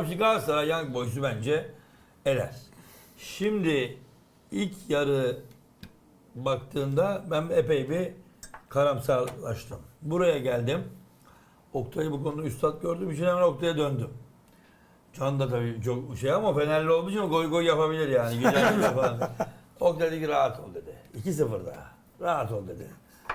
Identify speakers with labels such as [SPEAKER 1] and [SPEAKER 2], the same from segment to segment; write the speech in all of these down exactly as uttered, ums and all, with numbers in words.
[SPEAKER 1] Abi Galatasaray Young Boys'u bence eler. Şimdi ilk yarı baktığında ben epey bir karamsarlaştım. Buraya geldim. Oktay'ı bu konuda üstad gördüğüm için hemen Oktay'a döndüm. Can da tabii çok şey ama Fenerli olduğu için goy goy yapabilir yani. Güzel falan. Oktay dedi ki rahat ol dedi. iki sıfır daha. Rahat ol dedi.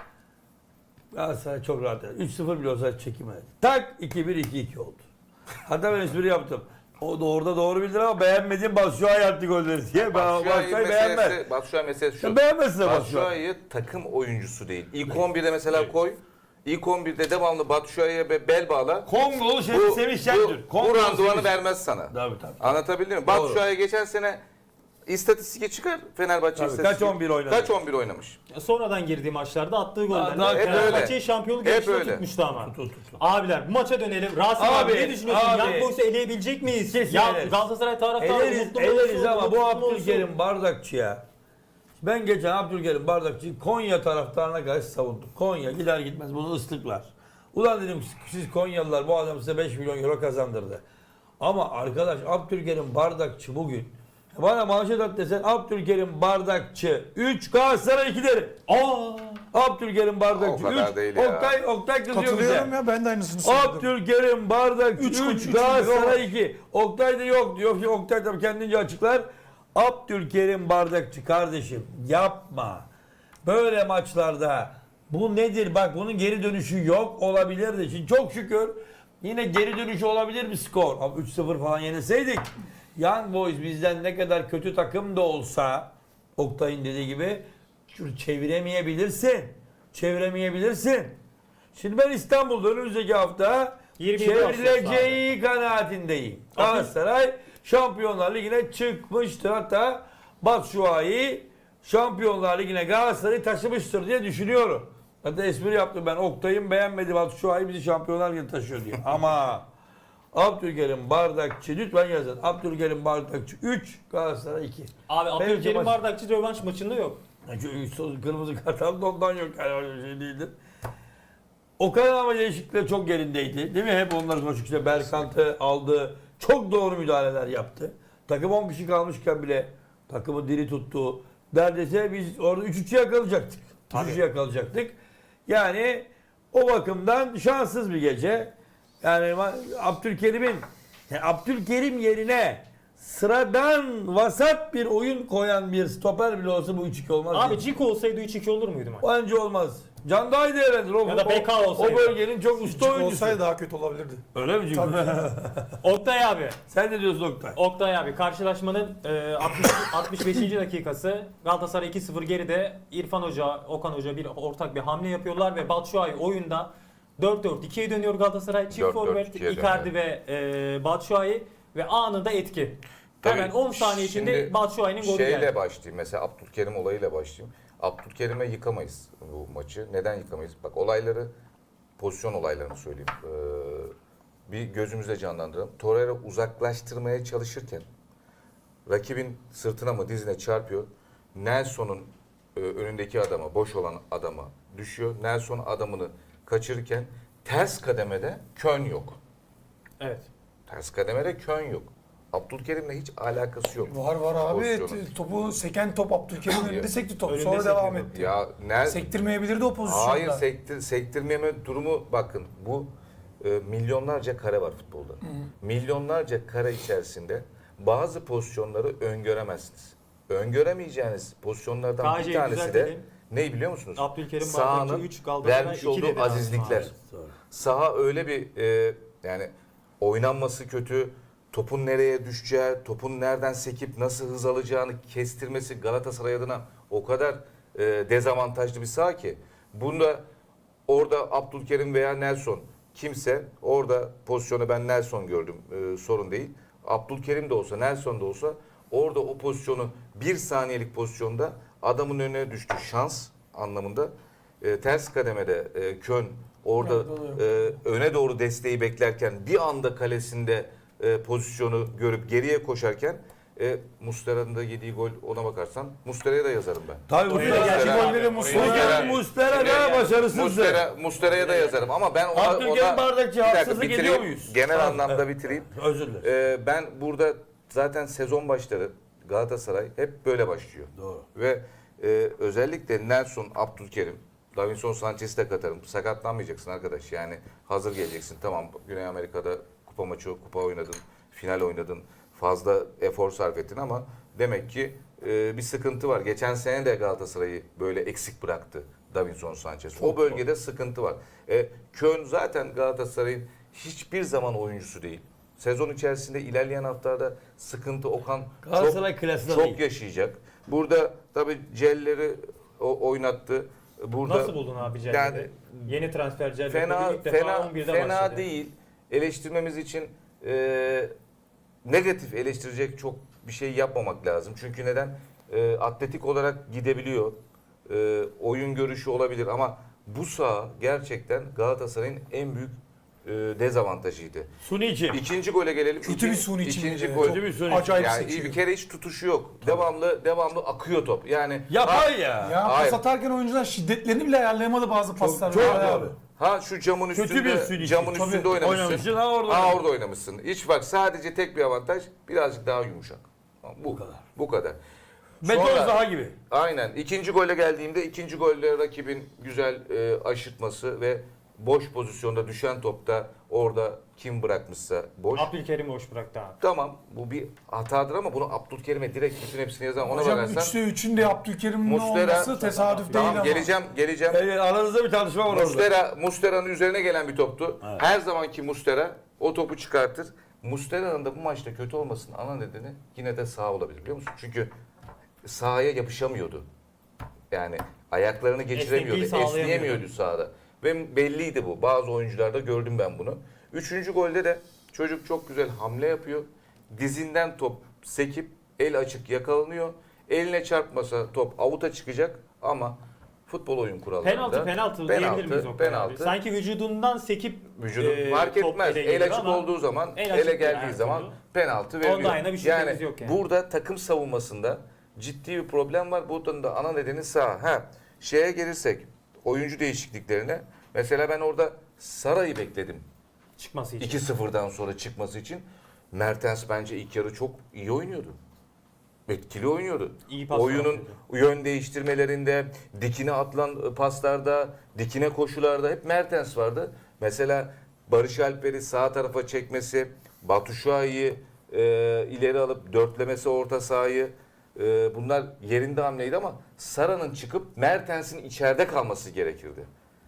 [SPEAKER 1] Galatasaray çok rahat. üç sıfır bile olsa çekemedi. Tak iki bir iki iki oldu. Hatta ben espri yaptım. O da orada doğru bildir ama beğenmediğim Batshuayi attı golleri diye. Ben Batshuayi beğenmez.
[SPEAKER 2] Batshuayi meselesi şu.
[SPEAKER 1] Beğenmezsin Batshuayi.
[SPEAKER 2] Batshuayi'yi takım oyuncusu değil. İlk on birde mesela koy. İlk on birde devamlı Batshuayi'ye bel bağla.
[SPEAKER 1] Kongolu şey,
[SPEAKER 2] Bu,
[SPEAKER 1] Semih
[SPEAKER 2] bu,
[SPEAKER 1] Şentür.
[SPEAKER 2] bu randıvanı vermez sana.
[SPEAKER 1] Tabii tabii.
[SPEAKER 2] Anlatabildim mi? Batshuayi geçen sene istatistik çıkar Fenerbahçe
[SPEAKER 1] Tabii,
[SPEAKER 2] istatistik.
[SPEAKER 1] kaç on bir oynadı?
[SPEAKER 2] Kaç on bir oynamış.
[SPEAKER 3] Sonradan girdiği maçlarda attığı gollerle
[SPEAKER 1] daha- hep
[SPEAKER 3] Fenerbahçe'yi
[SPEAKER 2] öyle.
[SPEAKER 3] şampiyonluk
[SPEAKER 2] Hep
[SPEAKER 3] yarışına
[SPEAKER 2] öyle.
[SPEAKER 3] tutmuştu ama.
[SPEAKER 1] Tut, tut, tut.
[SPEAKER 3] Abiler bu maça dönelim. Rasim abi,
[SPEAKER 1] Abi,
[SPEAKER 3] ne düşünüyorsun?
[SPEAKER 1] abi.
[SPEAKER 3] Young Boys'u eleyebilecek miyiz?
[SPEAKER 1] Kesin
[SPEAKER 3] Ya
[SPEAKER 1] eleriz.
[SPEAKER 3] Galatasaray taraftarı
[SPEAKER 1] Eleriz,
[SPEAKER 3] mutlu mu
[SPEAKER 1] eleriz
[SPEAKER 3] olsun,
[SPEAKER 1] ama bu
[SPEAKER 3] mutsuz mu olsun?
[SPEAKER 1] Abdülkerim Bardakçı'ya ben geçen Abdülkerim Bardakçı'yı Konya taraftarına karşı savundum. Konya gider gitmez bunu ıslıklar. Ulan dedim siz Konyalılar bu adam size beş milyon euro kazandırdı. Ama arkadaş Abdülkerim Bardakçı bugün bana manşet at desen Abdülkerim Bardakçı üç Galatasaray iki derim.
[SPEAKER 3] Aa!
[SPEAKER 1] Abdülkerim Bardakçı
[SPEAKER 2] O kadar
[SPEAKER 1] üç.
[SPEAKER 2] değil ya.
[SPEAKER 1] Oktay, Oktay kızıyor bize.
[SPEAKER 4] Katılıyorum ya, ben de aynısını söyledim.
[SPEAKER 1] Abdülkerim Bardakçı
[SPEAKER 4] Üç, üç,
[SPEAKER 1] üç
[SPEAKER 4] üç,
[SPEAKER 1] Galatasaray iki. Oktay da yok diyor. Oktay tabii kendince açıklar. Abdülkerim Bardakçı kardeşim yapma. Böyle maçlarda bu nedir? Bak bunun geri dönüşü yok olabilirdi. Şimdi çok şükür yine geri dönüşü olabilir bir skor. Ama üç sıfır falan yenilseydik Young Boys bizden ne kadar kötü takım da olsa Oktay'ın dediği gibi şunu çeviremeyebilirsin. Çeviremeyebilirsin. Şimdi ben İstanbul'da önümüzdeki hafta
[SPEAKER 3] yirmi yedi
[SPEAKER 1] çevrileceği kanaatindeyim. Galatasaray Şampiyonlar Ligi'ne çıkmıştır. Hatta Batshuayi Şampiyonlar Ligi'ne Galatasaray'ı taşımıştır diye düşünüyorum. Hatta espri yaptım ben. Oktay'ın beğenmedi Batshuayi bizi Şampiyonlar Ligi'ne taşıyor diye. Ama Abdülkerim Bardakçı lütfen yazın. Abdülkerim Bardakçı üç Galatasaray iki.
[SPEAKER 3] Abi
[SPEAKER 1] Benim
[SPEAKER 3] Abdülkerim
[SPEAKER 1] maç-
[SPEAKER 3] Bardakçı rövanş maçında yok.
[SPEAKER 1] Yani kırmızı kart aldı ondan yok. Yani öyle şey değildir. Okan ama değişiklikler çok yerindeydi. Değil mi? Hep onlar konuştuk. İşte Berkant'ı aldı. Çok doğru müdahaleler yaptı. Takım on kişi kalmışken bile takımı diri tuttu. Neredeyse biz orada üç üçü yakalayacaktık. üç üçü yakalayacaktık. Yani o bakımdan şanssız bir gece. Yani Abdülkerim'in yani Abdülkerim yerine sıradan vasat bir oyun koyan bir stoper bile olsa bu üç iki olmaz.
[SPEAKER 3] Abi
[SPEAKER 1] değil.
[SPEAKER 3] Ciko olsaydı üç iki olur muydu maç?
[SPEAKER 1] Bence olmaz. Can daha iyi değerlendir. O,
[SPEAKER 3] Ya da B K
[SPEAKER 1] o,
[SPEAKER 3] olsaydı.
[SPEAKER 1] o bölgenin çok usta
[SPEAKER 4] Küçük
[SPEAKER 1] oyuncusu.
[SPEAKER 4] olsaydı daha kötü olabilirdi.
[SPEAKER 1] Öyle mi Ciko?
[SPEAKER 3] Oktay abi.
[SPEAKER 1] Sen ne diyorsun Oktay?
[SPEAKER 3] Oktay abi karşılaşmanın e, altmış, altmış beşinci dakikası Galatasaray iki sıfır geride. İrfan Hoca, Okan Hoca bir ortak bir hamle yapıyorlar ve Batshuayi oyunda dört dört ikiye dönüyor Galatasaray. Çift
[SPEAKER 2] dört dört
[SPEAKER 3] forvet
[SPEAKER 2] ikiye
[SPEAKER 3] Icardi ve e, Batshuayi ve anında etki. Hemen
[SPEAKER 2] Tabii,
[SPEAKER 3] on saniye içinde
[SPEAKER 2] şimdi
[SPEAKER 3] Batshuayi'nin golü
[SPEAKER 2] Şeyle
[SPEAKER 3] geldi.
[SPEAKER 2] başlayayım. Mesela Abdülkerim olayıyla başlayayım. Abdülkerim'e yıkamayız bu maçı. Neden yıkamayız? Bak olayları, pozisyon olaylarını söyleyeyim. Ee, bir gözümüzde canlandıralım. Torreira uzaklaştırmaya çalışırken rakibin sırtına mı dizine çarpıyor. Nelson'un e, önündeki adama, boş olan adama düşüyor. Nelson adamını kaçırırken ters kademede Kön yok.
[SPEAKER 3] Evet.
[SPEAKER 2] Ters kademede Kön yok. Abdülkerim'le hiç alakası yok.
[SPEAKER 4] Var var abi.
[SPEAKER 2] Pozisyonun.
[SPEAKER 4] T- Topu seken top Abdülkerim'in önünde sekti top.
[SPEAKER 3] Önünde
[SPEAKER 4] Sonra devam
[SPEAKER 3] sekiyor.
[SPEAKER 4] etti.
[SPEAKER 2] Ya Nel
[SPEAKER 4] Sektirmeyebilirdi o pozisyonda.
[SPEAKER 2] Hayır, sektir, sektirmeme durumu bakın. Bu e, milyonlarca kare var futbolda. Milyonlarca kare içerisinde bazı pozisyonları öngöremezsiniz. Öngöremeyeceğiniz pozisyonlardan
[SPEAKER 3] K J'yi
[SPEAKER 2] bir tanesi de
[SPEAKER 3] düzeltelim.
[SPEAKER 2] ne biliyor musunuz?
[SPEAKER 3] Abdülkerim
[SPEAKER 2] Sahanın
[SPEAKER 3] Bardakçı üç, Galatasaray
[SPEAKER 2] vermiş
[SPEAKER 3] iki
[SPEAKER 2] olduğu
[SPEAKER 3] dedi
[SPEAKER 2] azizlikler.
[SPEAKER 3] aslında abi.
[SPEAKER 2] Saha öyle bir e, yani oynanması kötü, topun nereye düşeceği, topun nereden sekip nasıl hız alacağını kestirmesi Galatasaray adına o kadar e, dezavantajlı bir saha ki. Bunda orada Abdülkerim veya Nelson kimse orada pozisyonu ben Nelson gördüm e, sorun değil. Abdülkerim de olsa Nelson da olsa orada o pozisyonu bir saniyelik pozisyonda adamın önüne düştü şans anlamında. E, ters kademede e, Kön orada e, öne doğru desteği beklerken bir anda kalesinde e, pozisyonu görüp geriye koşarken E, Muslera'nın da yediği gol ona bakarsan Muslera'ya da yazarım ben.
[SPEAKER 1] Tabii bu
[SPEAKER 3] Oraya
[SPEAKER 1] sene
[SPEAKER 3] geldi
[SPEAKER 1] gerçi
[SPEAKER 3] abi.
[SPEAKER 1] golleri
[SPEAKER 3] Oraya
[SPEAKER 1] Muslera,
[SPEAKER 2] geldi.
[SPEAKER 1] Muslera da başarısızdı.
[SPEAKER 2] Muslera, Muslera'ya da yazarım ama ben ona,
[SPEAKER 1] Abdülkerim
[SPEAKER 2] ona
[SPEAKER 1] Bardakçı
[SPEAKER 2] Bir dakika,
[SPEAKER 1] haksızlık
[SPEAKER 2] bitireyim.
[SPEAKER 1] ediyor muyuz?
[SPEAKER 2] Genel
[SPEAKER 1] Tamam,
[SPEAKER 2] anlamda
[SPEAKER 1] evet.
[SPEAKER 2] bitireyim.
[SPEAKER 1] Özür dilerim.
[SPEAKER 2] Ee, ben burada zaten sezon başları Galatasaray hep böyle başlıyor.
[SPEAKER 1] Doğru.
[SPEAKER 2] Ve e, özellikle Nelson, Abdülkerim, Davinson Sanchez'i de katarım. Sakatlanmayacaksın arkadaş, yani hazır geleceksin. Tamam, Güney Amerika'da kupa maçı, kupa oynadın, final oynadın, fazla efor sarf ettin ama demek ki e, bir sıkıntı var. Geçen sene de Galatasaray'ı böyle eksik bıraktı Davinson Sanchez. O bölgede sıkıntı var. E, Köln zaten Galatasaray'ın hiçbir zaman oyuncusu değil. Sezon içerisinde ilerleyen haftalarda sıkıntı Okan
[SPEAKER 1] Galatasaray
[SPEAKER 2] çok,
[SPEAKER 1] klasında
[SPEAKER 2] çok
[SPEAKER 1] değil.
[SPEAKER 2] yaşayacak. Burada tabii Celler'i o- oynattı. Burada
[SPEAKER 3] Nasıl buldun abi Celle'de?
[SPEAKER 2] Yani
[SPEAKER 3] Yeni transfer Celle'de
[SPEAKER 2] fena
[SPEAKER 3] ilk defa
[SPEAKER 2] fena
[SPEAKER 3] on birde
[SPEAKER 2] fena
[SPEAKER 3] başladı.
[SPEAKER 2] değil. Eleştirmemiz için e, negatif eleştirecek çok bir şey yapmamak lazım. Çünkü neden? E, atletik olarak gidebiliyor. E, oyun görüşü olabilir ama bu saha gerçekten Galatasaray'ın en büyük e, dezavantajıydı.
[SPEAKER 1] Sunici.
[SPEAKER 2] İkinci gole gelelim.
[SPEAKER 4] Kötü
[SPEAKER 2] İki-
[SPEAKER 4] bir suni için.
[SPEAKER 2] İkinci
[SPEAKER 4] bile.
[SPEAKER 2] gol.
[SPEAKER 1] Kötü bir suni.
[SPEAKER 4] Acayip
[SPEAKER 2] Yani
[SPEAKER 4] seçiyor.
[SPEAKER 2] bir kere hiç tutuşu yok. Devamlı devamlı akıyor top. Yani
[SPEAKER 1] Yapay ya.
[SPEAKER 4] Ya
[SPEAKER 2] Hayır.
[SPEAKER 4] pas atarken oyuncular şiddetlerini bile ayarlayamadı bazı paslar.
[SPEAKER 1] çok
[SPEAKER 4] Bayağı.
[SPEAKER 1] doğru.
[SPEAKER 2] Ha şu camın
[SPEAKER 1] Kötü
[SPEAKER 2] üstünde,
[SPEAKER 1] bir sürü
[SPEAKER 2] camın
[SPEAKER 1] için.
[SPEAKER 2] üstünde
[SPEAKER 1] Tabii.
[SPEAKER 2] oynamışsın.
[SPEAKER 1] Oynamışsın, ha orada
[SPEAKER 2] Ha
[SPEAKER 1] oynamışsın.
[SPEAKER 2] orada oynamışsın. Hiç bak, sadece tek bir avantaj, birazcık daha yumuşak. Bu,
[SPEAKER 1] Bu kadar.
[SPEAKER 2] Bu kadar.
[SPEAKER 1] Beton
[SPEAKER 2] Sonra-
[SPEAKER 1] saha gibi.
[SPEAKER 2] Aynen. İkinci gole geldiğimde ikinci golle rakibin güzel e, aşırtması ve boş pozisyonda düşen topta orada kim bırakmışsa boş.
[SPEAKER 3] Abdülkerim boş bıraktı abi.
[SPEAKER 2] Tamam, bu bir hatadır ama bunu Abdülkerim'e direkt bütün hepsini yazan ona
[SPEAKER 4] Hocam
[SPEAKER 2] bakarsan.
[SPEAKER 4] üçte üçün de Abdülkerim'in
[SPEAKER 2] Muslera-
[SPEAKER 4] olması tesadüf değil
[SPEAKER 2] Tamam,
[SPEAKER 4] ama.
[SPEAKER 2] geleceğim geleceğim.
[SPEAKER 1] Evet, aranızda bir tartışma var orada.
[SPEAKER 2] Mustera, Mustera'nın üzerine gelen bir toptu.
[SPEAKER 1] Evet.
[SPEAKER 2] Her zamanki Mustera o topu çıkartır. Mustera'nın da bu maçta kötü olmasının ana nedeni yine de sağ olabilir, biliyor musun? Çünkü sahaya yapışamıyordu. Yani ayaklarını geçiremiyordu,
[SPEAKER 3] Esnekliği sağlayamıyordu.
[SPEAKER 2] esneyemiyordu sahada. Ve belliydi bu. Bazı oyuncularda gördüm ben bunu. Üçüncü golde de çocuk çok güzel hamle yapıyor. Dizinden top sekip el açık yakalanıyor. Eline çarpmasa top avuta çıkacak ama futbol oyun kurallarında.
[SPEAKER 3] Penaltı penaltı diyebilir miyiz o kadar abi?
[SPEAKER 2] penaltı.
[SPEAKER 3] Sanki vücudundan sekip
[SPEAKER 2] Vücudu
[SPEAKER 3] e,
[SPEAKER 2] fark
[SPEAKER 3] top
[SPEAKER 2] etmez.
[SPEAKER 3] ele
[SPEAKER 2] El
[SPEAKER 3] geliyor
[SPEAKER 2] açık
[SPEAKER 3] ama
[SPEAKER 2] olduğu zaman,
[SPEAKER 3] el
[SPEAKER 2] ele
[SPEAKER 3] açık değil
[SPEAKER 2] geldiği
[SPEAKER 3] her
[SPEAKER 2] zaman
[SPEAKER 3] türlü.
[SPEAKER 2] penaltı veriliyor.
[SPEAKER 3] Onda aynı bir şüphemiz yok yani.
[SPEAKER 2] Burada takım savunmasında ciddi bir problem var. Bunun da ana nedeni sağ. Ha, şeye gelirsek, oyuncu değişikliklerine. Mesela ben orada Sara'yı bekledim.
[SPEAKER 3] çıkması için.
[SPEAKER 2] iki sıfırdan sonra çıkması için. Mertens bence ilk yarı çok iyi oynuyordu. Etkili oynuyordu.
[SPEAKER 3] İyi pas
[SPEAKER 2] Oyunun
[SPEAKER 3] yapıyordu.
[SPEAKER 2] yön değiştirmelerinde, dikine atılan paslarda, dikine koşularda hep Mertens vardı. Mesela Barış Alper'i sağ tarafa çekmesi, Batshuayi'yi e, ileri alıp dörtlemesi orta sahayı, e, bunlar yerinde hamleydi ama Sara'nın çıkıp Mertens'in içeride kalması gerekirdi.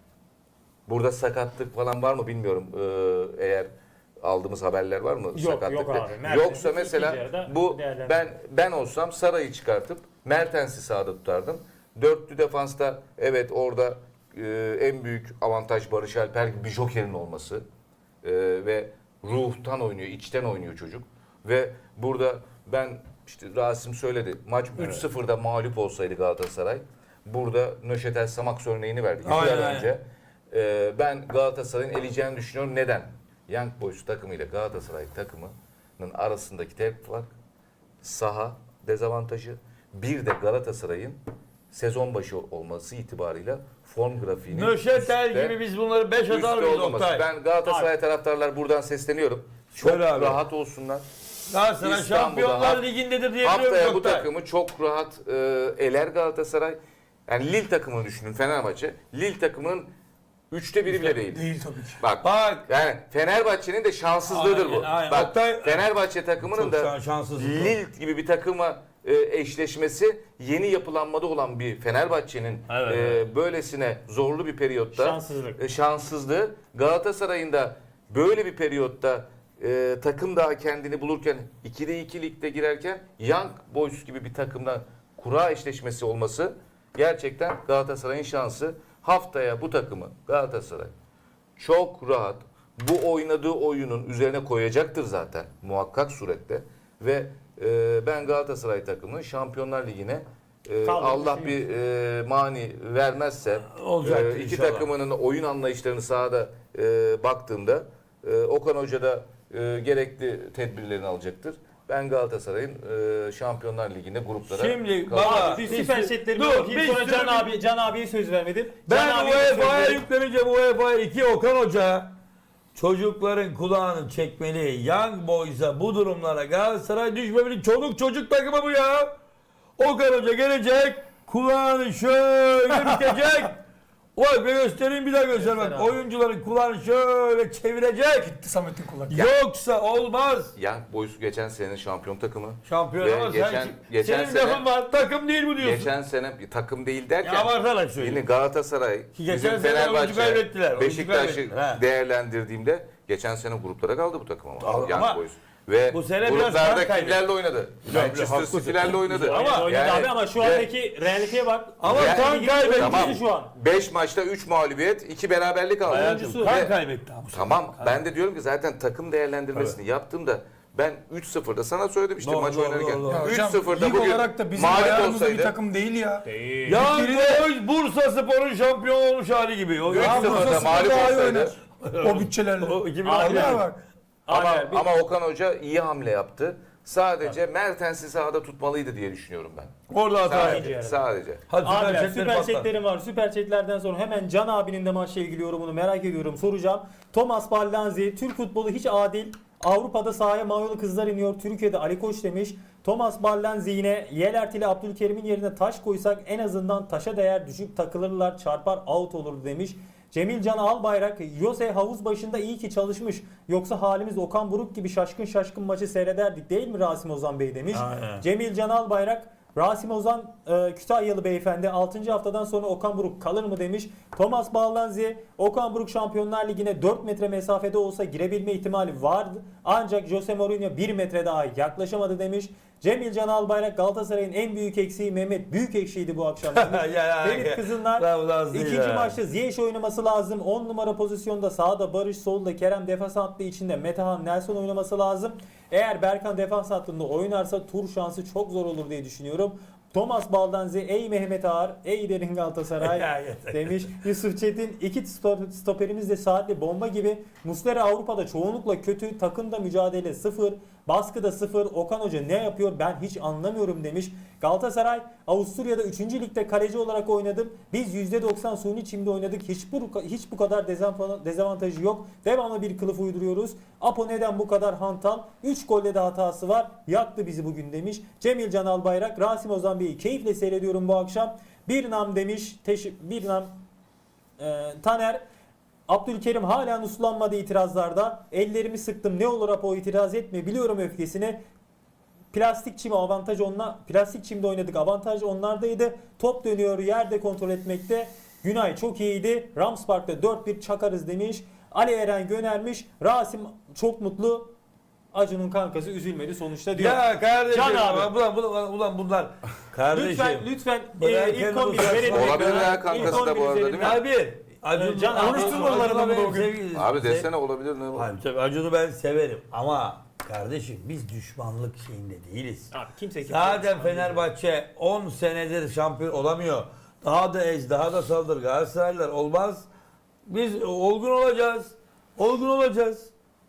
[SPEAKER 2] Burada sakatlık falan var mı bilmiyorum. Ee, eğer aldığımız haberler var mı?
[SPEAKER 3] Yok,
[SPEAKER 2] sakatlık?
[SPEAKER 3] yok abi. Mertens'i
[SPEAKER 2] Yoksa
[SPEAKER 3] ikinci
[SPEAKER 2] mesela
[SPEAKER 3] yarıda
[SPEAKER 2] bu
[SPEAKER 3] değerlendir-
[SPEAKER 2] ben ben olsam Sara'yı çıkartıp Mertens'i sağda tutardım. Dörtlü defansta evet orada e, en büyük avantaj Barış Alper gibi bir jokerin olması. E, ve ruhtan oynuyor, içten oynuyor çocuk. Ve burada ben işte Rasim söyledi. Maç üç sıfırda mağlup olsaydı Galatasaray, burada Nöşetel Samax örneğini verdik.
[SPEAKER 1] Aynen,
[SPEAKER 2] Yıllar
[SPEAKER 1] aynen.
[SPEAKER 2] önce. Ee, ben Galatasaray'ın eleyeceğini düşünüyorum. Neden? Young Boys takımı ile Galatasaray takımının arasındaki tek fark saha dezavantajı. Bir de Galatasaray'ın sezon başı olması itibarıyla form grafiğinin
[SPEAKER 1] Nöşetel
[SPEAKER 2] üstte-
[SPEAKER 1] gibi biz bunları beş atar
[SPEAKER 2] üstte
[SPEAKER 1] mıyız
[SPEAKER 2] olmaması.
[SPEAKER 1] Oktay?
[SPEAKER 2] Ben Galatasaray taraftarlar buradan sesleniyorum. Çok
[SPEAKER 1] Söyle abi.
[SPEAKER 2] rahat olsunlar.
[SPEAKER 1] Galatasaray
[SPEAKER 2] İstanbul'da
[SPEAKER 1] Şampiyonlar
[SPEAKER 2] haft-
[SPEAKER 1] Ligi'ndedir diyebiliyor
[SPEAKER 2] Haftaya
[SPEAKER 1] muyuz
[SPEAKER 2] bu
[SPEAKER 1] Oktay?
[SPEAKER 2] takımı çok rahat e, eler Galatasaray. Yani Lille takımını düşünün, Fenerbahçe. Lille takımının üçte biri bile değil.
[SPEAKER 4] Değil tabii ki.
[SPEAKER 2] Bak,
[SPEAKER 1] Bak.
[SPEAKER 2] yani Fenerbahçe'nin de şanssızlığıdır bu.
[SPEAKER 1] Aynen, aynen.
[SPEAKER 2] Bak,
[SPEAKER 1] Oktay-
[SPEAKER 2] Fenerbahçe takımının
[SPEAKER 1] Çok
[SPEAKER 2] da
[SPEAKER 1] şan- şanssızlık o.
[SPEAKER 2] Lille gibi bir takıma e, eşleşmesi yeni yapılanmada olan bir Fenerbahçe'nin
[SPEAKER 1] Evet,
[SPEAKER 2] e,
[SPEAKER 1] evet.
[SPEAKER 2] böylesine zorlu bir periyotta
[SPEAKER 3] Şanssızlık.
[SPEAKER 2] e, şanssızlığı. Galatasaray'ın da böyle bir periyotta e, takım daha kendini bulurken ikide iki ligde girerken Young Boys gibi bir takımla kura eşleşmesi olması gerçekten Galatasaray'ın şansı. Haftaya bu takımı Galatasaray çok rahat bu oynadığı oyunun üzerine koyacaktır zaten muhakkak surette ve e, ben Galatasaray takımının Şampiyonlar Ligi'ne e,
[SPEAKER 3] Kaldı,
[SPEAKER 2] Allah
[SPEAKER 3] düşünüyorum.
[SPEAKER 2] bir e, mani vermezse
[SPEAKER 1] Olacaktır
[SPEAKER 2] e, iki
[SPEAKER 1] inşallah.
[SPEAKER 2] takımının oyun anlayışlarını sahada e, baktığımda e, Okan Hoca da e, gerekli tedbirlerini alacaktır. Ben Galatasaray'ın e, Şampiyonlar Ligi'nde gruplara
[SPEAKER 1] Şimdi
[SPEAKER 2] kalacak.
[SPEAKER 1] baba-
[SPEAKER 3] Abi bir süper setlerimi
[SPEAKER 1] Dur,
[SPEAKER 3] okuyayım
[SPEAKER 1] bir
[SPEAKER 3] sonra
[SPEAKER 1] sürü
[SPEAKER 3] Can
[SPEAKER 1] bir-
[SPEAKER 3] abi Can abiye söz vermedim.
[SPEAKER 1] Ben
[SPEAKER 3] Can abiye de söz
[SPEAKER 1] UEFA'ya
[SPEAKER 3] verdim.
[SPEAKER 1] yükleneceğim. U E F A'ya iki Okan Hoca çocukların kulağını çekmeli. Young Boys'a bu durumlara Galatasaray düşmemeli. Çoluk çocuk takımı bu ya. Okan Hoca gelecek. Kulağını şöyle bitecek. Vay be göstereyim bir daha göster bak.
[SPEAKER 3] Göster abi.
[SPEAKER 1] Oyuncuların kulağını şöyle çevirecek.
[SPEAKER 4] Gitti Samet'in kulak.
[SPEAKER 1] Yoksa olmaz.
[SPEAKER 2] Young Boys geçen senenin şampiyon takımı.
[SPEAKER 1] Şampiyon
[SPEAKER 2] Ve
[SPEAKER 1] ama
[SPEAKER 2] geçen-
[SPEAKER 1] sen,
[SPEAKER 2] geçen
[SPEAKER 1] senin
[SPEAKER 2] sene-
[SPEAKER 1] lafın var. Takım değil bu diyorsun.
[SPEAKER 2] Geçen sene bir takım değil derken
[SPEAKER 1] Ya abartarak
[SPEAKER 2] yine
[SPEAKER 1] söyleyeyim.
[SPEAKER 2] Galatasaray,
[SPEAKER 1] Ki geçen
[SPEAKER 2] bizim
[SPEAKER 1] sene oyuncu
[SPEAKER 2] Fenerbahçe,
[SPEAKER 1] kaybettiler, oyuncu
[SPEAKER 2] Beşiktaş'ı
[SPEAKER 1] kaybettiler, ha.
[SPEAKER 2] değerlendirdiğimde geçen sene gruplara kaldı bu takım ama.
[SPEAKER 1] Ama-
[SPEAKER 2] Young Boys. Ve
[SPEAKER 1] bu sene biraz
[SPEAKER 2] gruplarda
[SPEAKER 1] kan kaybetti.
[SPEAKER 2] kimlerle oynadı? Manchester
[SPEAKER 1] haklısın.
[SPEAKER 2] City'lerle oynadı.
[SPEAKER 3] Ama oynadı
[SPEAKER 2] Yani-
[SPEAKER 3] abi ama şu
[SPEAKER 2] ve-
[SPEAKER 3] andaki realiteye bak.
[SPEAKER 1] Ama
[SPEAKER 2] Yani-
[SPEAKER 1] kan kaybetti.
[SPEAKER 2] Tamam.
[SPEAKER 3] şu an.
[SPEAKER 2] beş maçta üç mağlubiyet, iki beraberlik aldı.
[SPEAKER 1] Hayatım,
[SPEAKER 3] Ve-
[SPEAKER 1] kan kaybetti abi.
[SPEAKER 2] Tamam ben de diyorum ki zaten takım değerlendirmesini yaptığımda ben üç sıfırda sana söyledim işte
[SPEAKER 1] Doğru,
[SPEAKER 2] maç
[SPEAKER 1] doğru,
[SPEAKER 2] oynarken.
[SPEAKER 1] doğru, doğru.
[SPEAKER 4] Ya
[SPEAKER 2] üç
[SPEAKER 4] hocam,
[SPEAKER 2] sıfırda
[SPEAKER 4] lig
[SPEAKER 2] bugün
[SPEAKER 4] olarak da bizim
[SPEAKER 2] mağlup
[SPEAKER 4] ayarımızda bir
[SPEAKER 2] olsaydı
[SPEAKER 4] takım değil ya.
[SPEAKER 3] Değil.
[SPEAKER 1] Ya
[SPEAKER 4] Biri
[SPEAKER 1] Boys Bursa Spor'un şampiyon olmuş hali gibi. O
[SPEAKER 2] üç
[SPEAKER 4] Ya
[SPEAKER 2] sıfırda
[SPEAKER 4] Bursa
[SPEAKER 2] mağlup
[SPEAKER 4] Spor daha iyi
[SPEAKER 2] olsaydı.
[SPEAKER 4] oynar. O bütçelerle.
[SPEAKER 1] O iki bin
[SPEAKER 3] Abi,
[SPEAKER 1] altı
[SPEAKER 4] Vallahi bak.
[SPEAKER 2] Ama,
[SPEAKER 3] Abi, bir-
[SPEAKER 2] ama Okan Hoca iyi hamle yaptı. Sadece Mertens'i sahada tutmalıydı diye düşünüyorum ben.
[SPEAKER 1] Orada hata
[SPEAKER 2] Sadece.
[SPEAKER 1] yaptı.
[SPEAKER 3] yani.
[SPEAKER 2] sadece.
[SPEAKER 1] Hadi süper
[SPEAKER 3] Abiler
[SPEAKER 1] chatleri
[SPEAKER 3] süper
[SPEAKER 1] patlat.
[SPEAKER 3] chatlerim var. Süper chatlerden sonra hemen Can abinin de maçla ilgili yorumunu merak ediyorum. Soracağım. Thomas Ballanzi, Türk futbolu hiç adil. Avrupa'da sahaya manyolu kızlar iniyor. Türkiye'de Ali Koç demiş. Thomas Ballanzi yine Yelert ile Abdülkerim'in yerine taş koysak en azından taşa değer düşüp takılırlar çarpar out olur demiş. Cemil Can Albayrak, Jose havuz başında iyi ki çalışmış. Yoksa halimiz Okan Buruk gibi şaşkın şaşkın maçı seyrederdik değil mi Rasim Ozan Bey demiş.
[SPEAKER 1] Aynen.
[SPEAKER 3] Cemil Can Albayrak, Rasim Ozan e, Kütahyalı beyefendi altıncı haftadan sonra Okan Buruk kalır mı demiş. Thomas Ballanzi, Okan Buruk Şampiyonlar Ligi'ne dört metre mesafede olsa girebilme ihtimali vardı. Ancak Jose Mourinho bir metre daha yaklaşamadı demiş. Cemil Can Albayrak, Galatasaray'ın en büyük eksiği Mehmet büyük ekşiydi bu akşam. demiş.
[SPEAKER 1] Ya, ya,
[SPEAKER 3] Ferit
[SPEAKER 1] ya.
[SPEAKER 3] Kızıllar,
[SPEAKER 1] Bravo, Nazlı
[SPEAKER 3] ikinci
[SPEAKER 1] ya.
[SPEAKER 3] maçta Ziyech oynaması lazım. on numara pozisyonda sağda Barış, solda Kerem defans hattı içinde Metehan Nelson oynaması lazım. Eğer Berkan defans hattında oynarsa tur şansı çok zor olur diye düşünüyorum. Thomas Baldanzi, ey Mehmet Ağar, ey derin
[SPEAKER 1] Ya,
[SPEAKER 3] Galatasaray
[SPEAKER 1] yeter.
[SPEAKER 3] demiş. Yusuf Çetin, iki sto- stoperimiz de saatli bomba gibi. Muslera Avrupa'da çoğunlukla kötü, takımda mücadele sıfır, baskıda sıfır. Okan Hoca ne yapıyor ben hiç anlamıyorum demiş. Galatasaray, Avusturya'da üçüncü ligde kaleci olarak oynadım. Biz yüzde doksan suni çimde oynadık. Hiç bu, hiç bu kadar dezavantajı dezavantajı yok. Devamlı bir kılıf uyduruyoruz. Apo neden bu kadar hantal? üç golle de hatası var. Yaktı bizi bugün demiş. Cemil Can Albayrak, Rasim Ozan Bey'i keyifle seyrediyorum bu akşam. Bir nam demiş. Teşi, bir nam e, Taner. Abdülkerim hala uslanmadı itirazlarda. Ellerimi sıktım ne olur Apo itiraz etme. Biliyorum öfkesini. Plastik çim avantaj onla plastik çimde oynadık. Avantaj onlardaydı. Top dönüyor yerde kontrol etmekte. Günay çok iyiydi. Rams Park'ta dört bir çakarız demiş. Ali Eren göndermiş. Rasim çok mutlu. Acun'un kankası üzülmedi sonuçta diyor.
[SPEAKER 1] Ya kardeşim.
[SPEAKER 3] Can abi.
[SPEAKER 1] Ulan, ulan, ulan bunlar. Kardeşim.
[SPEAKER 3] Lütfen lütfen
[SPEAKER 1] Bırak
[SPEAKER 3] e, ilk
[SPEAKER 1] kendini
[SPEAKER 3] on biri
[SPEAKER 1] uzatma.
[SPEAKER 3] verelim.
[SPEAKER 2] Olabilir ya,
[SPEAKER 3] İlk
[SPEAKER 2] kankası
[SPEAKER 3] on
[SPEAKER 2] da bu
[SPEAKER 3] biri
[SPEAKER 2] arada,
[SPEAKER 3] verelim.
[SPEAKER 2] değil mi?
[SPEAKER 1] Abi. Acun,
[SPEAKER 3] Can abi,
[SPEAKER 1] Acun'u
[SPEAKER 3] konuşturmalarını
[SPEAKER 1] ben
[SPEAKER 3] bugün.
[SPEAKER 1] sevgili-
[SPEAKER 2] Abi
[SPEAKER 1] sev-
[SPEAKER 2] desene olabilir ne var?
[SPEAKER 1] Abi tabii Acun'u ben severim ama kardeşim biz düşmanlık şeyinde değiliz.
[SPEAKER 3] Abi kimse kimse.
[SPEAKER 1] Zaten Fenerbahçe on senedir şampiyon olamıyor. Daha da ez, daha da saldır. Galatasaraylılar olmaz. Biz olgun olacağız. Olgun olacağız.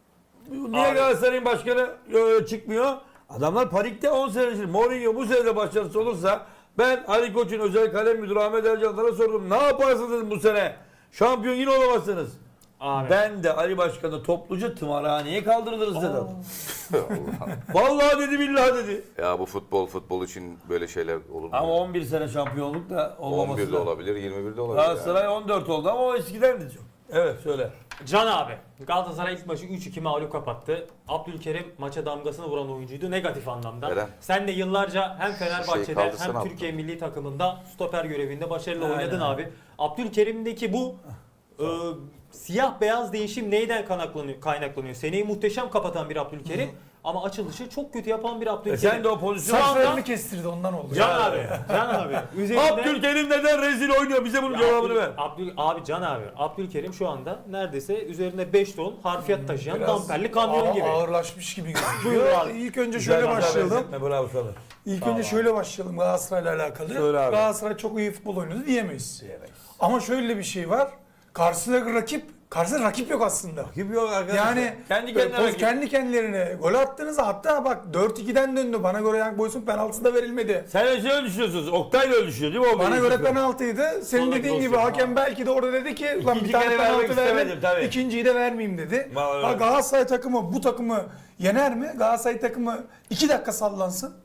[SPEAKER 1] Niye
[SPEAKER 3] Abi.
[SPEAKER 1] Galatasaray'ın başkanı e, çıkmıyor? Adamlar panikte on senedir. Mourinho bu sene de başarısı olursa ben Ali Koç'un özel kalem müdürü Ahmet Ercan'lara sordum. Ne yaparsınız dedim bu sene? Şampiyon yine olamazsınız.
[SPEAKER 3] Abi.
[SPEAKER 1] Ben de Ali Başkan'ı topluca tımarhaneye kaldırırız dedim.
[SPEAKER 2] Allah.
[SPEAKER 1] Vallahi dedi billahi dedi.
[SPEAKER 2] Ya bu futbol futbol için böyle şeyler olur mu?
[SPEAKER 1] Ama on bir sene şampiyonluk da olmaması
[SPEAKER 2] on birde
[SPEAKER 1] da.
[SPEAKER 2] olabilir, yirmi birde olabilir.
[SPEAKER 1] Galatasaray
[SPEAKER 2] yani.
[SPEAKER 1] on dört oldu ama o eskidendi çok. Evet söyle.
[SPEAKER 3] Can abi. Galatasaray ilk maçı üç iki mağlup kapattı. Abdülkerim maça damgasını vuran oyuncuydu negatif anlamda.
[SPEAKER 2] Eren.
[SPEAKER 3] Sen de yıllarca hem
[SPEAKER 2] Şey
[SPEAKER 3] Fenerbahçe'de
[SPEAKER 2] kaldırsana
[SPEAKER 3] hem
[SPEAKER 2] abi.
[SPEAKER 3] Türkiye milli takımında stoper görevinde başarılı
[SPEAKER 1] Aynen.
[SPEAKER 3] oynadın abi. Abdülkerim'deki bu e, siyah beyaz değişim neyden kaynaklanıyor? kaynaklanıyor? Seneyi muhteşem kapatan bir Abdülkerim ama açılışı çok kötü yapan bir
[SPEAKER 1] E
[SPEAKER 3] Abdülkerim.
[SPEAKER 1] sen de o pozisyon.
[SPEAKER 3] Sağ-
[SPEAKER 4] Saçlarını kestirdi ondan oldu.
[SPEAKER 3] Can
[SPEAKER 1] Ya.
[SPEAKER 3] abi. Can abi. Üzerinde...
[SPEAKER 1] Abdülkerim neden rezil oynuyor? Bize bunun
[SPEAKER 3] Ya
[SPEAKER 1] cevabını
[SPEAKER 3] Abdül-
[SPEAKER 1] ver.
[SPEAKER 3] Abdül, abi Can abi. Abdülkerim şu anda neredeyse üzerinde beş ton harfiyat taşıyan
[SPEAKER 4] Biraz
[SPEAKER 3] damperli kamyon
[SPEAKER 4] ağ-
[SPEAKER 3] gibi.
[SPEAKER 4] Ağırlaşmış gibi
[SPEAKER 3] Buyur
[SPEAKER 4] gözüküyor.
[SPEAKER 3] abi.
[SPEAKER 4] İlk önce
[SPEAKER 1] Güzel
[SPEAKER 4] şöyle
[SPEAKER 1] güzel
[SPEAKER 4] başlayalım.
[SPEAKER 1] benzetme, bravo sana.
[SPEAKER 4] İlk
[SPEAKER 1] Tamam
[SPEAKER 4] önce
[SPEAKER 1] abi.
[SPEAKER 4] şöyle başlayalım Galatasaray'la alakalı.
[SPEAKER 1] Söyle abi.
[SPEAKER 4] Galatasaray çok iyi futbol oynadı diyemeyiz. Ama şöyle bir şey var. Karşısındaki rakip Karşısında rakip yok aslında.
[SPEAKER 1] Gibi yok arkadaşlar.
[SPEAKER 4] Yani
[SPEAKER 1] kendi
[SPEAKER 4] böyle
[SPEAKER 1] kendine
[SPEAKER 4] poz- kendi kendilerine gol attığınızda hatta bak dört ikiden döndü. Bana göre Young Boys'un penaltısı da verilmedi.
[SPEAKER 1] Sen öyle düşünüyorsunuz. Oktay da öyle düşünüyor değil mi? O
[SPEAKER 4] Bana
[SPEAKER 1] benim
[SPEAKER 4] göre
[SPEAKER 1] fikrim.
[SPEAKER 4] penaltıydı. Senin
[SPEAKER 1] Sonraki
[SPEAKER 4] dediğin gibi
[SPEAKER 1] pozisyon,
[SPEAKER 4] hakem
[SPEAKER 1] ha.
[SPEAKER 4] belki de orada dedi ki lan
[SPEAKER 1] İkinci
[SPEAKER 4] bir tane
[SPEAKER 1] kere vermek
[SPEAKER 4] penaltı
[SPEAKER 1] istemedim,
[SPEAKER 4] verdim.
[SPEAKER 1] tabii.
[SPEAKER 4] İkinciyi de vermeyeyim dedi.
[SPEAKER 1] Vallahi
[SPEAKER 4] Ha,
[SPEAKER 1] öyle.
[SPEAKER 4] Galatasaray takımı bu takımı yener mi? Galatasaray takımı iki dakika sallansın.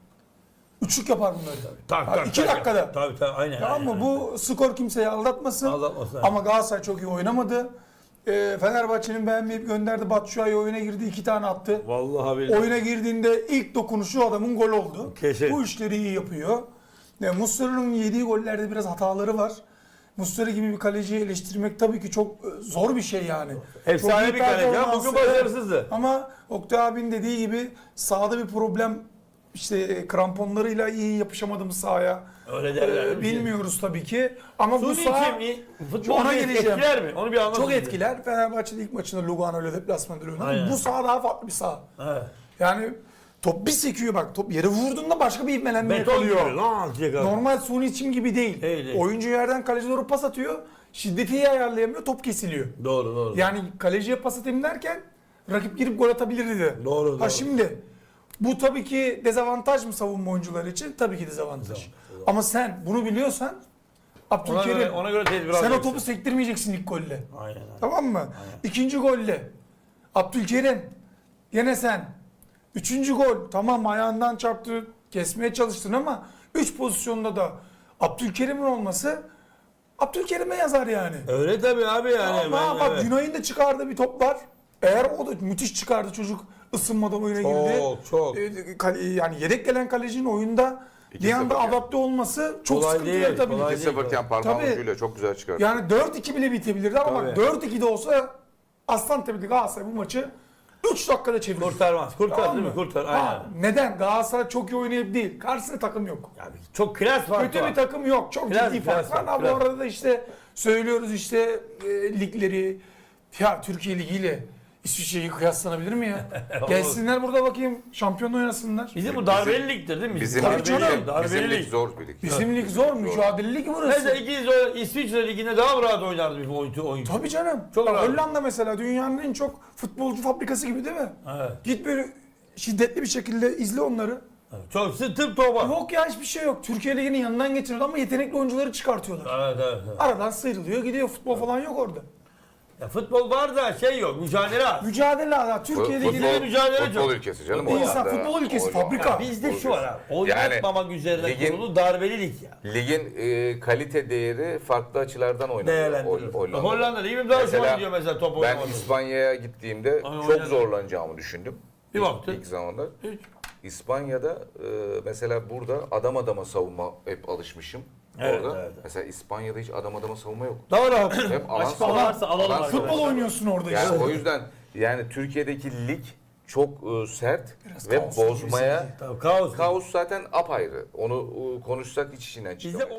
[SPEAKER 4] Üçlük yapar bunları.
[SPEAKER 1] Tak,
[SPEAKER 4] Ha,
[SPEAKER 1] tak,
[SPEAKER 4] iki
[SPEAKER 1] tak.
[SPEAKER 4] dakikada.
[SPEAKER 1] Tabii tabii aynen.
[SPEAKER 4] Tamam mı?
[SPEAKER 1] aynen.
[SPEAKER 4] Bu skor kimseyi aldatmasın.
[SPEAKER 1] Aldatmasın.
[SPEAKER 4] Ama Galatasaray çok iyi oynamadı. Ee, Fenerbahçe'nin beğenmeyip gönderdi. Batshuayi oyuna girdi. iki tane attı.
[SPEAKER 1] Vallahi billahi.
[SPEAKER 4] Oyuna girdiğinde ilk dokunuşu adamın gol oldu.
[SPEAKER 1] Kesin.
[SPEAKER 4] Bu işleri iyi yapıyor. E, Muslera'nın yediği gollerde biraz hataları var. Muslera gibi bir kaleciyi eleştirmek tabii ki çok e, zor bir şey yani.
[SPEAKER 1] Efsane
[SPEAKER 4] Çok iyi
[SPEAKER 1] bir kaleci ama
[SPEAKER 4] performansı,
[SPEAKER 1] bugün başarısızdı.
[SPEAKER 4] Ama Oktay abinin dediği gibi sahada bir problem, işte e, kramponlarıyla iyi yapışamadım sahaya.
[SPEAKER 1] Öyle derler.
[SPEAKER 4] E, bilmiyoruz tabii ki. Ama bu
[SPEAKER 1] Suni
[SPEAKER 4] saha
[SPEAKER 1] kim? Futbol
[SPEAKER 4] ona
[SPEAKER 1] bir
[SPEAKER 4] geleceğim.
[SPEAKER 1] etkiler mi? Onu bir anlatın.
[SPEAKER 4] çok
[SPEAKER 1] bize.
[SPEAKER 4] etkiler. Fenerbahçe'de ilk maçında Lugano ile deplasmanda oynadı.
[SPEAKER 1] Aynen.
[SPEAKER 4] Bu saha daha farklı bir saha.
[SPEAKER 1] Evet.
[SPEAKER 4] Yani top bir sekiyor bak. Top yere vurduğunda başka bir ivmelenme
[SPEAKER 1] Beton gibi.
[SPEAKER 4] yakalıyor.
[SPEAKER 1] Lan atacak abi.
[SPEAKER 4] Normal suni çim gibi değil.
[SPEAKER 1] Değil, değil.
[SPEAKER 4] Oyuncu yerden kaleci doğru pas atıyor. Şiddeti iyi ayarlayamıyor. Top kesiliyor.
[SPEAKER 1] Doğru doğru.
[SPEAKER 4] Yani kaleciye pas atayım derken rakip girip gol atabilirdi de.
[SPEAKER 1] Doğru,
[SPEAKER 4] Ha
[SPEAKER 1] doğru.
[SPEAKER 4] şimdi bu tabii ki dezavantaj mı savunma oyuncuları için? Tabii ki dezavantaj. Ama sen bunu biliyorsan
[SPEAKER 1] ona göre,
[SPEAKER 4] Abdülkerim
[SPEAKER 1] ona göre tedbir
[SPEAKER 4] sen o
[SPEAKER 1] alacaksın.
[SPEAKER 4] topu sektirmeyeceksin ilk golle.
[SPEAKER 1] Aynen. aynen.
[SPEAKER 4] Tamam mı? İkinci golle Abdülkerim gene sen. Üçüncü gol tamam ayağından çarptı, kesmeye çalıştın ama üç pozisyonda da Abdülkerim'in olması Abdülkerim'e yazar yani.
[SPEAKER 1] Öyle tabii abi yani.
[SPEAKER 4] Ama
[SPEAKER 1] Ben-
[SPEAKER 4] bak
[SPEAKER 1] evet.
[SPEAKER 4] Günay'ın da çıkardığı bir top var. Eğer o da müthiş çıkardı, çocuk ısınmadan oyuna girdi.
[SPEAKER 1] Çok çok.
[SPEAKER 4] Ee, kale- Yani yedek gelen kalecinin oyunda
[SPEAKER 2] İki
[SPEAKER 4] bir anda
[SPEAKER 2] sıfır yani.
[SPEAKER 4] adapte olması çok
[SPEAKER 1] Kolay
[SPEAKER 4] sıkıntı
[SPEAKER 1] değil,
[SPEAKER 4] yaratabilir.
[SPEAKER 1] kolay
[SPEAKER 2] iki sıfır iken parmağın
[SPEAKER 4] Tabii.
[SPEAKER 2] ucuyla çok güzel çıkardı.
[SPEAKER 4] Yani dört iki bile bitebilirdi ama
[SPEAKER 1] Tabii.
[SPEAKER 4] bak dört iki de olsa Aslantepe'de Galatasaray bu maçı üç dakikada çevirir.
[SPEAKER 1] Kurtarmaz. Kurtar
[SPEAKER 4] Tamam
[SPEAKER 1] değil mi?
[SPEAKER 4] mı?
[SPEAKER 1] Kurtar.
[SPEAKER 4] Ha,
[SPEAKER 1] Aynen.
[SPEAKER 4] neden? Galatasaray çok iyi oynayıp değil. Karşısında takım yok.
[SPEAKER 1] Ya çok klas farkı
[SPEAKER 4] Kötü
[SPEAKER 1] var.
[SPEAKER 4] bir takım yok. Çok
[SPEAKER 1] Biraz-
[SPEAKER 4] ciddi
[SPEAKER 1] biraz
[SPEAKER 4] fark var.
[SPEAKER 1] var,
[SPEAKER 4] Ha, bu
[SPEAKER 1] biraz.
[SPEAKER 4] arada da işte söylüyoruz işte e, ligleri, ya Türkiye Ligi ile İsviçre'yi kıyaslanabilir mi ya? Gelsinler burada bakayım şampiyonla oynasınlar.
[SPEAKER 1] Bizim bu darbeli ligdir değil mi?
[SPEAKER 2] Bizim
[SPEAKER 4] Tabii
[SPEAKER 2] lig,
[SPEAKER 4] canım.
[SPEAKER 2] bizim,
[SPEAKER 1] Darbeli
[SPEAKER 2] bizim lig
[SPEAKER 1] lig.
[SPEAKER 2] zor bir lig.
[SPEAKER 4] Bizim lig zor, mücadele ligi burası.
[SPEAKER 1] Mesela ikiniz o İsviçre liginde daha mı rahat oynardı bir oyuncu? oyuncu.
[SPEAKER 4] Tabii canım.
[SPEAKER 1] Çok
[SPEAKER 4] Bak,
[SPEAKER 1] rahat.
[SPEAKER 4] Hollanda mesela dünyanın en çok futbolcu fabrikası gibi değil mi?
[SPEAKER 1] Evet.
[SPEAKER 4] Git böyle şiddetli bir şekilde izle onları.
[SPEAKER 1] Çok tıp topa.
[SPEAKER 4] Yok ya hiçbir şey yok. Türkiye Ligi'nin yanından geçiriyor ama yetenekli oyuncuları çıkartıyorlar.
[SPEAKER 1] Evet, evet, evet.
[SPEAKER 4] Aradan sıyrılıyor gidiyor. Futbol falan yok orada.
[SPEAKER 1] Ya futbol var da şey yok. Mücadele az.
[SPEAKER 4] Mücadele ha. Türkiye
[SPEAKER 2] Futbol,
[SPEAKER 4] Ligi'nin
[SPEAKER 1] mücadele
[SPEAKER 2] futbol
[SPEAKER 1] çok.
[SPEAKER 2] ülkesi canım.
[SPEAKER 4] Bir insan
[SPEAKER 2] Hollanda,
[SPEAKER 4] futbol ülkesi,
[SPEAKER 2] Hollanda.
[SPEAKER 4] fabrika.
[SPEAKER 1] Ya bizde şu var abi.
[SPEAKER 2] Yani
[SPEAKER 1] Oynatmamak üzerine
[SPEAKER 2] ligin-
[SPEAKER 1] kurulu darbeli lig ya.
[SPEAKER 2] Ligin e, kalite değeri farklı açılardan oynanıyor.
[SPEAKER 1] Değerlendirilir.
[SPEAKER 2] Hol-
[SPEAKER 1] Hollanda. Hollanda ligim daha hoşuma gidiyor mesela top
[SPEAKER 2] Ben
[SPEAKER 1] oynamak.
[SPEAKER 2] İspanya'ya gittiğimde
[SPEAKER 1] Ay,
[SPEAKER 2] çok
[SPEAKER 1] oynadım.
[SPEAKER 2] zorlanacağımı düşündüm.
[SPEAKER 1] Bir
[SPEAKER 2] İlk-
[SPEAKER 1] baktın.
[SPEAKER 2] İlk zamanlar.
[SPEAKER 1] Hiç.
[SPEAKER 2] İspanya'da e, mesela burada adam adama savunma hep alışmışım.
[SPEAKER 1] Evet,
[SPEAKER 2] Orada.
[SPEAKER 1] evet.
[SPEAKER 2] Mesela İspanya'da hiç adam adama savunma yok.
[SPEAKER 1] Daha rahat.
[SPEAKER 2] Hep alan
[SPEAKER 3] Açık
[SPEAKER 2] savunma.
[SPEAKER 3] varsa alalım
[SPEAKER 2] alan
[SPEAKER 3] arkadaşlar.
[SPEAKER 4] futbol oynuyorsun orada
[SPEAKER 2] Yani
[SPEAKER 4] işte.
[SPEAKER 2] o yüzden yani Türkiye'deki lig çok e, sert
[SPEAKER 4] Biraz
[SPEAKER 2] ve
[SPEAKER 4] kaos gibi
[SPEAKER 2] bozmaya
[SPEAKER 4] sanki.
[SPEAKER 1] Tabii, kaos.
[SPEAKER 2] kaos zaten apayrı. Onu e, konuşsak hiç içinden çıkamayız.
[SPEAKER 1] Bizde